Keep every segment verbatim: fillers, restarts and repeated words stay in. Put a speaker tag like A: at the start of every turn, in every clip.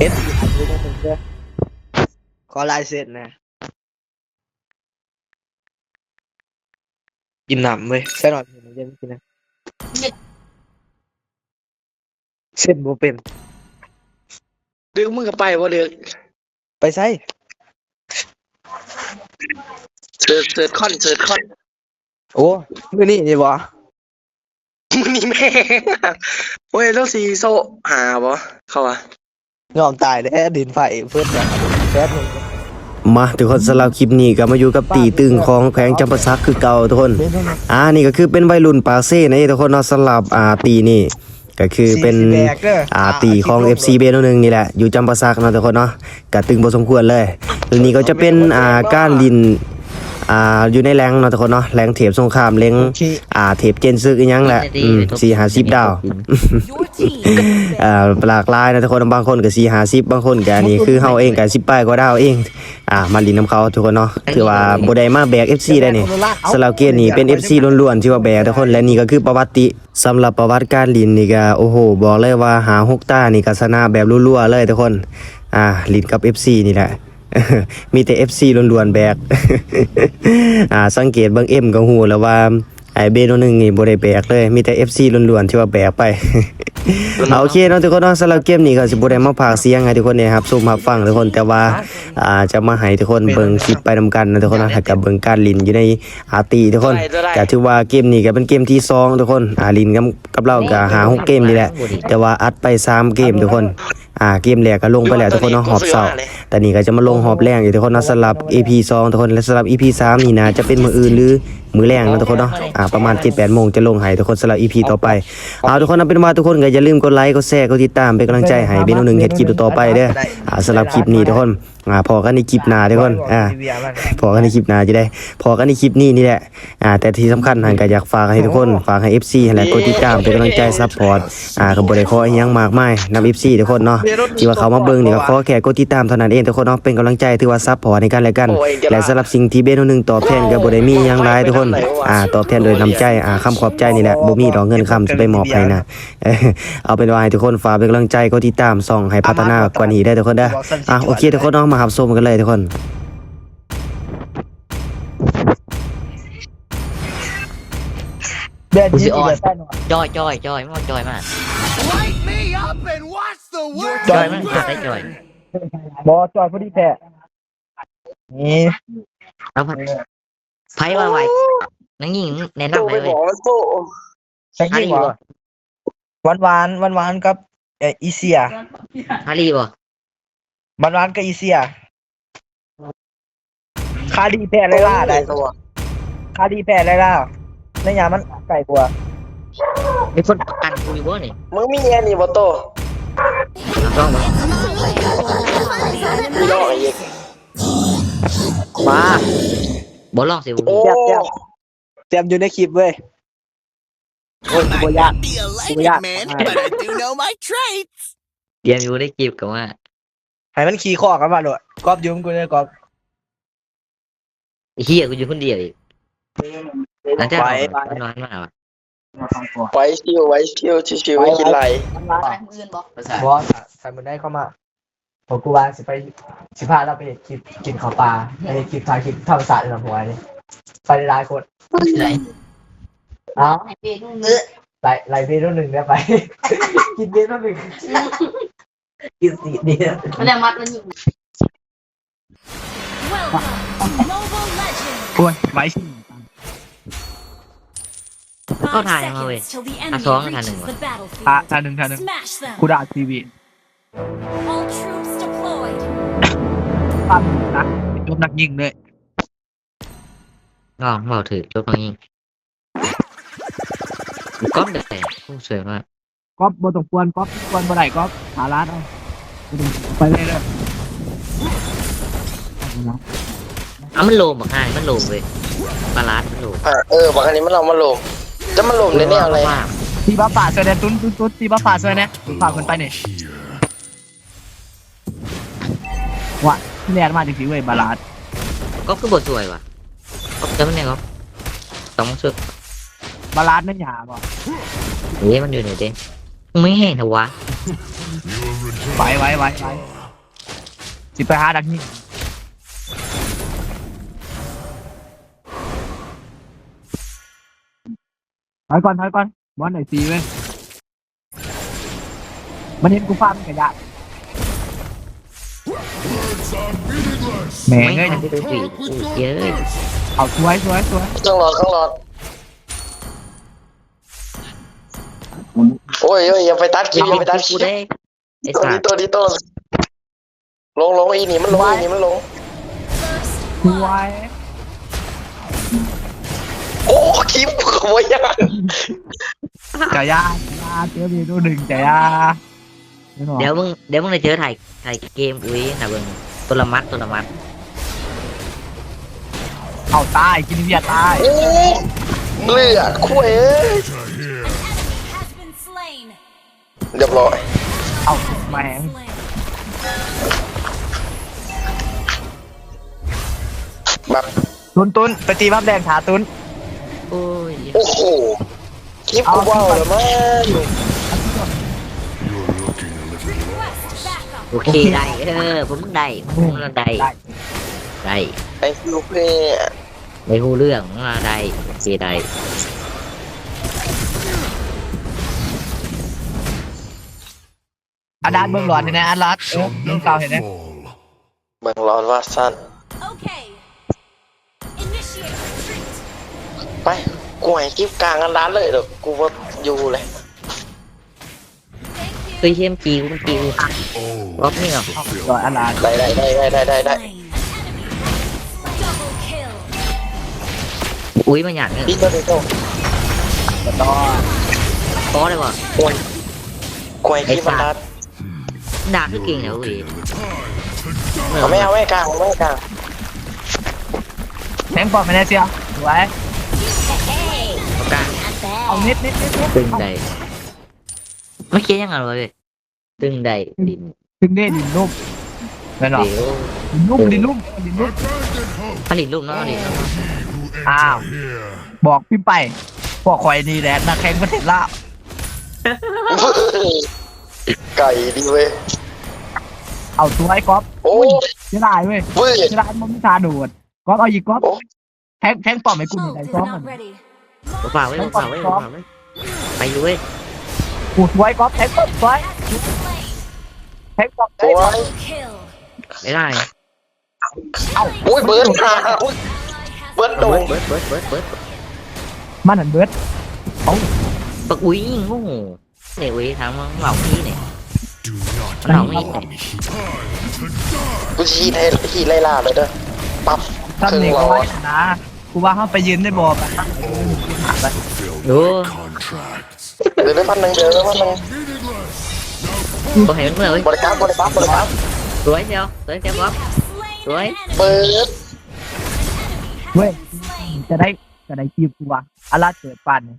A: เอสขอลายเซ็นนะกินหนำเว้ยใช่หน่อยผมจะไม่กินนะเส้นโบเป็น
B: เดือกมึงก็ไปบ่เดือก
A: ไปใส่
B: เสิร์ชเสิร์ชคอนเสิร์ชคอน
A: โอ้มื่อนี้นี่บ่
B: มึงนี่แม่โอ้ยแล้วสีโซหาบ่เขาว่
A: ยอมตายแล้ดินไฟเพื่อนแบบแป๊บนึง
C: มาทุกคนสำหรับคลิปนี้ก็มาอยู่กับตีตึงของแขวงจำปาสักคือเก่าทุกคนอ่านี่ก็คือเป็นวัยรุ่นปาเซ่นะทุกคนเนาะสำหรับอ่าตีนี่ก็คือเป็นอ่าตีของ เอฟ ซี เบโนหนึ่งนี่แหละอยู่จำปาสักเนาะทุกคนเนาะก็ตึงพอสมควรเลยตัวนี้ก็จะเป็นอ่าก้านลินอ่าอยู่ในแรงเนาะทุกคนเนาะแรงเทปสงครามแรงอ่าเทปเจนซึกอีหยังแหละอืมสี่ห้าสิบดาวอ่าหลากหลายนะทุกคนบางคนก็สี่ห้าสิบบางคนก็นี่คือเฮาเองก็สิบปลายกว่าดาวเองอ่ามาลินน้ำเขาทุกคนเนาะถือว่าบ่ได้มาแบก เอฟ ซี ได้นี่สลาวเกียร์นี่เป็น เอฟ ซี ล้วนๆที่ว่าแบกทุกคนและนี่ก็คือประวัติสำหรับประวัติการลินนี่ก็โอ้โหบอกเลยว่าหาหกตานี่ก็ชนะแบบรัวๆเลยทุกคนอ่าลินกับ เอฟ ซี นี่แหละมีแต่ เอฟ ซี ล้วนๆแบก อ่าสังเกตเบิ่ง M ก็ฮู้แล้วว่าไอ้เบโนหนึ่งนี่บ่ได้แบกเลยมีแต่ เอฟ ซี ล้วนๆที่ว่าแบกไป เอาโอเคเนาะทุกคนเนาะสำหรับเกมนี้ก็สิบ่ได้มาพากย์เสียงให้ทุกคนเนี่ยครับซูมรับฟังทุกคนแต่ว่าอ่าจะมาให้ทุกคนเบิ่งคลิปไปนำกันนะทุกคนนะถ้ากับเบิ่งการลินอยู่ในอาร์ตีทุกคนก็ถือว่าเกมนี้ก็เป็นเกมที่สองทุกคนอ่าลินกับกับเราก็หาหกเกมนี่แหละแต่ว่าอัดไปสามเกมทุกคนอ่าเกมแรกก็ลงไปแล้วทุกคนเนาะหอบเศร้าแต่นี่ก็จะมาลงหอบแรงอยู่ทุกคนเนาะสำหรับ อี พี สองทุกคนและสำหรับ อี พี สามนี่นะจะเป็นมื้ออื่นหรือมื้อแรงนะทุกคนเนาะอ่าประมาณ เจ็ดแปด โมงจะลงให้ทุกคนสำหรับ อี พี ต่อไปเอาทุกคนเอาเป็นว่าทุกคนก็อย่าลืมกดไลค์กดแชร์กดติดตามเป็นกำลังใจให้เบโนหนึ่งเฮ็ดคลิปต่อไปเด้ออ่าสำหรับคลิปนี้ทุกคนอ่าพอกันในคลิปหน้าทุกคนอ่าพอกันในคลิปหน้าจะได้พอกันในคลิปนี้นี่แหละอ่าแต่ที่สำคัญหันก็อยากฝากให้ทุกคนฝากให้ เอฟ ซี ให้แหละกดติดตามเป็นกำลังใจซัพพอร์ตอ่าก็บ่ได้ขออีหยังมากมายนำ เอฟ ซี ทุกคนเนาะที่ว่าเขามาเบิ่งนี่ก็ขอแค่กดติดตามเท่านั้นเองทุกคนเนาะเป็นกำลังใจถือว่าซัพพอร์ตในกันและกันและสำหรับสิ่งที่เบโนหนึ่งตอบแทนก็บ่ได้มีหยังหลายทุกคนอ่าตอบแทนโดยน้ำใจอ่าคำขอบใจนี่แหละบ่มีดอกเงินคำจะไปมอบให้นะเอาเป็นว่าให้ทุกคนฝากเป็นกำลังใจกดติดตามส่องให้พัฒนากว่านี้ได้ทุกคนเด้ออ่ะโอเคทุกคนเนาะมารับชมกันเลยทุกคน
A: เดือน
D: กู
A: ยี่
D: สิ
A: สิบ
D: ออน
A: แปดหน่อย
D: จอยจอยจอยไม่ว่าจอยมาก
E: Light me up and watch the world
D: จอยมันขาดได้จอย
A: บอจอยพอดีแท้นี่
D: แล้วพัดไพ่ว่าไว้นังยิงแนะ
B: โต
D: นำ
B: ไป
D: ไปเล
B: บ
D: ย
B: อกว่าโต
A: ใช่กี่บ่หวานหวานหวานหวานกับเอออีเซีย
D: ฮารีบ่
A: หวานหวานกับอีเซียคาดีแพ้ไรล่าได้
B: ตัว
A: คาดีแพ้ไรล่าในยามมันไก่กว่า
D: มีคนประกันกูอยู่บ่นี่
B: มึงมีแอนี่บ่โต
D: ต้องบ่
B: มีน้องอีก
D: บ้าบ่ลองสิ
B: โอ้
A: เจ็บเจ็บเจ็บอยู่ในคลิปเว้ยโอ้ยกูยาก
E: be a
A: Yeah.
E: lightning man, but I do know my traits.
D: เตรียมอยู่ได้จีบกับว่า
A: ให้มันขี่ข้อกันมาโดดกอบยุ่มกูเลยกอบ
D: เฮียกูอยู่คนเดียวอีกหลังจากนอนมาว่ะ
B: ไว้ชิวไว้ชิวชิวๆไม่คิดไร
A: บอสใส่มันได้เข้ามาผมกูว่าสิไปสิพาเราไปคลิปกินข้าวปลาไปคลิปถ่ายคลิปธรรมศาสตร์ในลำหัวนี่ไปหลายคนเอาไล่ไล่เบรหนึ่งเนี่ยไป กินเบรหนึ่งกินสีเดียว
F: มันจะมัดมันยิง
A: โอ้ยไว้
D: ก็ถ่ายมาเว้ยอ่ะสองถ่ายหนึ่งวะ
A: อ่ะท่าหนึ่งท่าหนึ่งกูด่าทีวีปั้มนะยกนักยิงเลย
D: ลองเบาถือจบน้องยิงก๊อปเด็ดผู้สวยมาก
A: ก๊อฟบนตกควนก๊อฟควนบ่ได้ก๊อฟหาร้านเอาไปเลยเลย
D: อ่ะมันโลมบักง่ายมันโลมเว้ยปลาลาดมันโลม
B: อ่ะเออบอกอันนี้มันเรามาลงจะมาลงในแนวอะไร
D: ว่า
A: ตีบ้าป่าเสยเนี่ยตุ้นตุ้นตุ้นตีบ้าป่าเสยเนี่ยฝากคนไปเนี่ยว่ะที่แรกมาจริงๆเว้ยบาลาด
D: ก็คือบทสวยว่ะก็จะมันเนี่ยก็ต้องช่วย
A: บาลาดนั่นหยาบ่
D: เฮ้ยมันอยู่ไหนเด้ไม่เห็นเหรอวะ
A: บไหวไหวไหวไหวสิไปหาดักนี่ถอยก่อนถอยก่อนบอลไหนซีเว้ยมันเห็นกูฟาดมันกระยะแม่ง
D: ไม่
A: เอ้ย
D: ทันได้ดูสิเยอะ
A: เอาสวยสวยสวย
B: ข้างหลอดข้างหลอดโอ้ยโอ้ยอย่าไปตัดคลิปอย่าไปตัดคลิ
D: กู
B: ป
D: ได้ไอ้
B: ตัว
D: สั
B: นี้
D: ตว์
B: ตัวนี้ตัวลงลงอีนี่มันลงอีนี่มันลง
A: สวย
B: โอ้คลิปขโมยยัง
A: จ่ายยาจ่ายยาเจอมีตัวหนึ่งจ่ายยา
D: เดี๋ยวมึงเดี๋ยวมึงได้เจอถ่ายถ่ายเกมอุ้ยนะเบิ่งตัวละมัดตัวละมัด
A: เอาตายกินเบียร์ตาย
B: โอ้เลือดคุยเอ้ย
F: has been slain.
B: เรียบร้อย
A: เอาแม่ง
B: แบบ
A: ตุนตุนไปตีบับแดงขาตุน
D: โอ้ย
B: โอ้โหคลิปกูว้าวเลยมั้ง
F: Request backup.
D: โอเคได้เออผมได้ผมได้ได้
B: ไอ้ฟิวเพ่
D: ไม่รู้เรื่องว่าได้โอเคได้
A: อาดานเบื้องหลอนเนี่ยนะอารัดเออเบื้องเก่าเห็นไหม
B: เบิ่งร้อนว่าสั้น
F: Okay. Initiate retreat.
B: ไปกูให้คลิปกลางกันร้านเลยเดี๋ยวกูว่าอยู่เลย
F: Thank
D: เฮ้ย
F: you.
D: เชมจีกูมันจีกูรอบนี้เหรอ
A: หลอนอารัด
B: ได้ได้ได้ได้ได้ได้
F: Slain. Double kill.
D: อุ้ยมันหยาดเนี่ย
B: พี่ตัวนี้ตัว
A: แล้วก็
D: ก้อได้ป่ะ
B: กูให้กูให้คลิปมันรัด
D: ด่าคือเก่งเหรออุ้ย
B: เอาไม่เอาไม่กลางไม่กลาง
A: แทงปอดไม่ได้เชียวสวย
F: Hey.
D: เอากลาง
F: Not
A: เอา
F: bad.
A: นิดนิดนิดนิด
D: ตึงใดไม่เคียยังไงวะเว้ยตึงใดดิน
A: ถึงได้ดินลุ่มไม่หรอก
D: เดี๋ยว
A: ดินลุ่มดินลุ่มดินลุ่ม
D: ผลิตรูปเนาะดิ
A: อ้าวบอกพี่ไปพวกคอยนี่แหละนักแข่งประเทศลาว
B: ไก่ดีเว้ย
A: เอาสวยก๊อฟ
B: โอ้ย
A: เสียดายเว้ย
B: เว้ย
A: เสียดายมันไม่ทาโดดก๊อฟเอาอีกก๊อฟ
B: โอ้
A: แทงแทงปอดไม่กูอยู่ไหน
F: Ult
A: ซ้อม
F: is
A: มัน
F: not ready.
D: ฝากไว้ฝากไว้ฝากไว้ไปอยู่เว้ย
A: กูสวยก๊อฟแทงปอดสวย
F: Has been slain.
A: แทงปอด
B: โอ้ย
F: Kill.
D: ไม่ได้
B: โอ้ยเบิร์ดมาโอ้ย
F: Ally has
B: เบิร์ดโด
D: เบิ
B: น
D: ร์ดเบิร์ดเบิร์ดเบิร์ด
A: มันหันเบิร์ด
D: ปักอุ้ยยิงโอ้โหเนี่ยอุ้ยทางมันเหล่าพี่เนี่ยเหล่าพี่เนี่ย
B: กูชี้ให้ขี่ไล่ล่าเลยเด้อปั๊บ
A: ท่าน
B: ครึ่ง
A: นี่
B: หล
A: ก็
B: อ
A: ไว้
B: ด
A: นะกูว่าเขาไปยืนได้บ่ไปไป
D: ดู
B: เดี๋ยวได้พันหนึ่งเดี๋ยวได้พันหนึ่ง
D: ก็เห็นเมื่อเว้ย
B: บริการบริการบริการ
D: สวยเชียวสวยเชียวครับ
F: slain
D: Right.
F: an enemy.
B: เปิด
A: เว้ย
F: Slain.
A: จะได้จะได้จีบกูว่าอาราเกิดปัน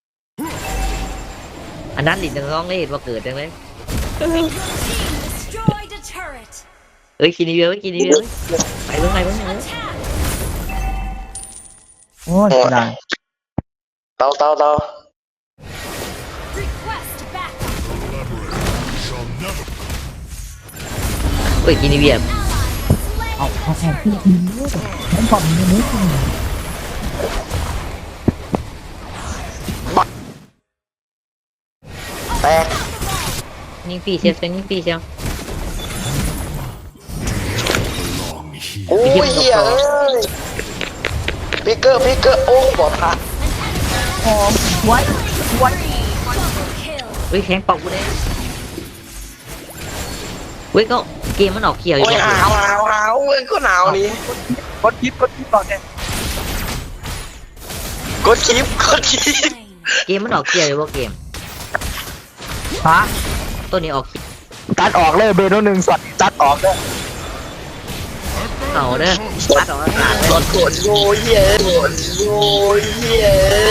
D: อันนั้นดินร้องเลยว่าเกิดจังเลย
F: Your team destroyed a turret.
D: เอ้ยกินดีเดียวกินดีเดียวไปเพิ่งไปเพิ่งไป
F: Attack.
A: โอ้ยเสียดาย
B: เตาเตาเตา
F: Request backup.
D: เอ้ยกินดีเดียว
F: Ally slain.
A: เอาเอาแอบที่ดินด้วยแทงปอดมันไม่ได้
B: แตก
D: ยิงปีเชียวเป็นยิงปีเชียว
B: โอ้ยเหี้ยเอ้ยพิกเกอร์พิกเกอร์โอ้บอดทัก
A: หอมไว้ไว้
F: Double kill.
D: เฮ้ยแข็งปอกกูเลยเว้ยก็เกมมันออกเขียวอยู่
B: โอ้ย
D: แล้ว
B: หาวหาวหาวเว้ยก็หนาวนี่
A: กดคลิปกดคลิปก่อนเนี่ย
B: กดคลิปกดคลิป
F: Slain.
D: เกมมันออกเขียวอยู่ว่าเกม
A: ฮะ
D: ตัวนี้ออก
A: ตัดออกเลยเบโนหนึ่งสอดตัดออกเลย
D: เอาเด้อตัดออกอากาศเลย
B: กดกดโยเย่กดโยเย่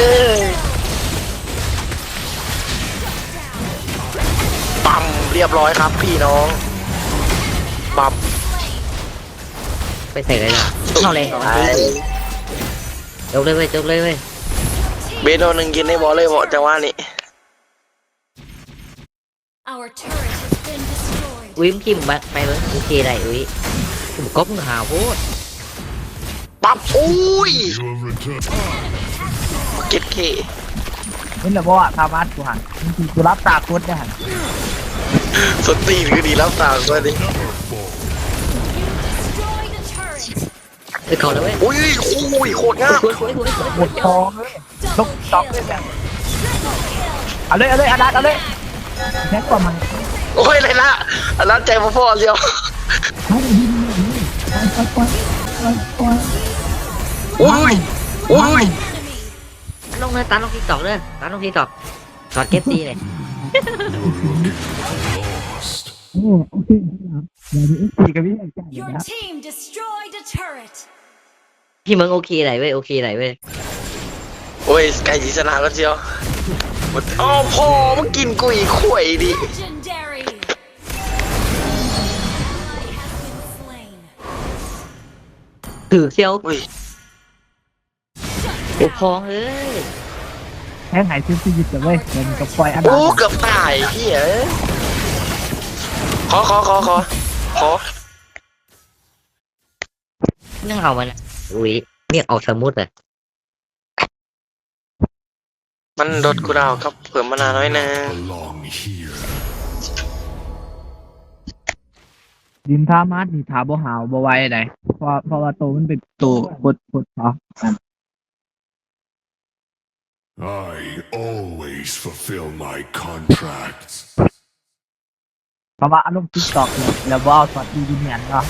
B: ปั๊มเรียบร้อยครับพี่น้องปั๊ม
D: ไปใส่เลยนะเข้าเลยจบเลยเว้ยจบเลยเว้ย
B: เบโดหนึ่งกินในบอลเลยเหมาะจังหวะนี้
F: Our turret has been destroyed.
D: อุ้ยมึงพิมพ์ไปไปเบิ้งโอเคได้อุ้ยผมก๊อปมึงหาโพด
B: ปั๊บอุ้ยเก็ตเค
A: นี่แหละว่าทามัสกูหันกูรับตาคุดได้หัน
B: สตีนก็ดีแล้วตามก็ดิ
F: Destroyed a turret.
D: ไปเขาแล้วเว้ย
B: อุ้ยอุ้ยโคตรงาม
D: สวยสวยสวยสวย
A: หมดทองเลยตกตอกเลยแบบเอาเลยเอาเลยอาดัดเอาเลยแท็กกว่ามัน
B: โอ้ยเลยละอันนั้นใจพ่อๆเดียวอุ้ยอุ้ย
D: ลงเลยตามลงทิกตอกเลยตามลงทิกตอกถอดเก็บซีเลย
F: Your team destroyed a turret.
D: พี่มึงโอเคไหนเว้ยโอเคไหนเว้ย
B: โอ้ยไก่จีชนะก็เชียวอ๋อพ่อมึงกินกุยข่วยดิ
F: Legendary. Ally has been slain.
D: ถือเซียว
B: อุ้ย
D: โอ้พองเอ้ย
A: แท็กหายซื้อชีวิตแต่เว้ยเงินกับปล่อยอาดั
B: โอ้
A: ด
B: เกือบตายเฮียขอขอขอขอขอ
D: นั่งเอามันอุ้ยเรียกเอาสมุดเลย
B: มันโดดกูดาวครับเผื่อมานานน้อยนึง
E: Belong here.
A: ดินทามัสนี่ถาบ่หาวบ่ไหวไหนเพราะเพราะว่าโตมันเป็นโตกดกดเนาะ
E: I always fulfill my contracts.
A: เพราะว่าอารมณ์ติ๊กตอกเนี่ยแล้วว่าสอดดีดีแมนเนาะ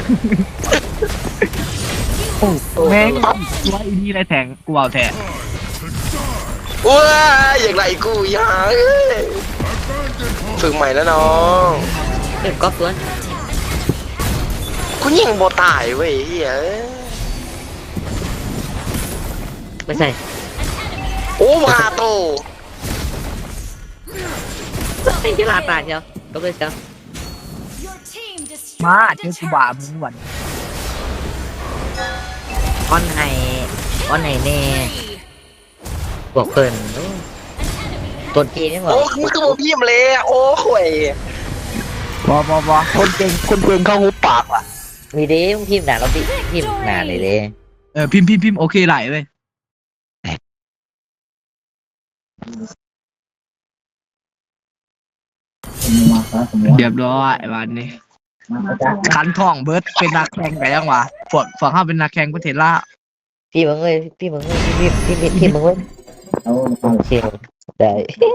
A: โอ้แม่งว่าอีนี่ไรแทงกูเอาแทน
B: ว้าอย่างไรกูยาเอ้ยฝึกใหม่แล้วน้อง
D: เก็บก๊อปตัว
B: กูยิงบ่ตายเว้ยเฮีย
D: ไม่ใช่
B: โอ้มาโต
D: ไอ้ที่ลาตาเชียวก็เลยเชียว
F: Your team
A: มา
F: destroyed
A: เจอ
F: a
A: กูบ่า
F: turret.
A: มึงวัน
D: ออนไห้ออนไห้แน่บอกเพิ่นโอ้ตัวจีนี่บอ
B: โอ้
D: ก
B: มึงคือบ่พิมพ์เลยอะโอ้ข่วย
A: บอบอบอคนเก่งคนเก่งเข้าหูปากว่ะ
D: มีเด้มึงพิมพ์หนาเราพิพิมพ์หนาเลยเด้
A: เออพิมพ์พิมพ์พิมพ์โอเคไหลเว้ยเรียบร้อยวันนี้คันทองเบิร์ดเป็นนักแข่งไปยังวะพวกฝั่งข้าเป็นนักแข่งประเทศลาว
D: พี่มึงเอ้ยพี่มึงเอ้ยพี่พี่พี่พี่มึงเอ้ยโอเคได้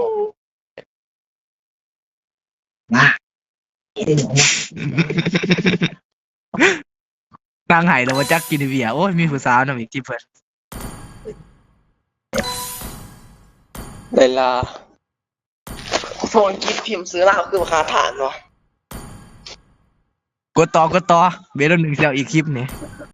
A: นางไห้เรามาจักกินเบียร์โอ้ยมีผู้สาวนะอีกที่เพิ่น
B: เวลาโฟนกิฟพิมพ์ซื้อเหล้าคือราคาฐานวะ
A: กดต่อกดต่อเบลล์หนึ่งเซลอีกคลิปนี่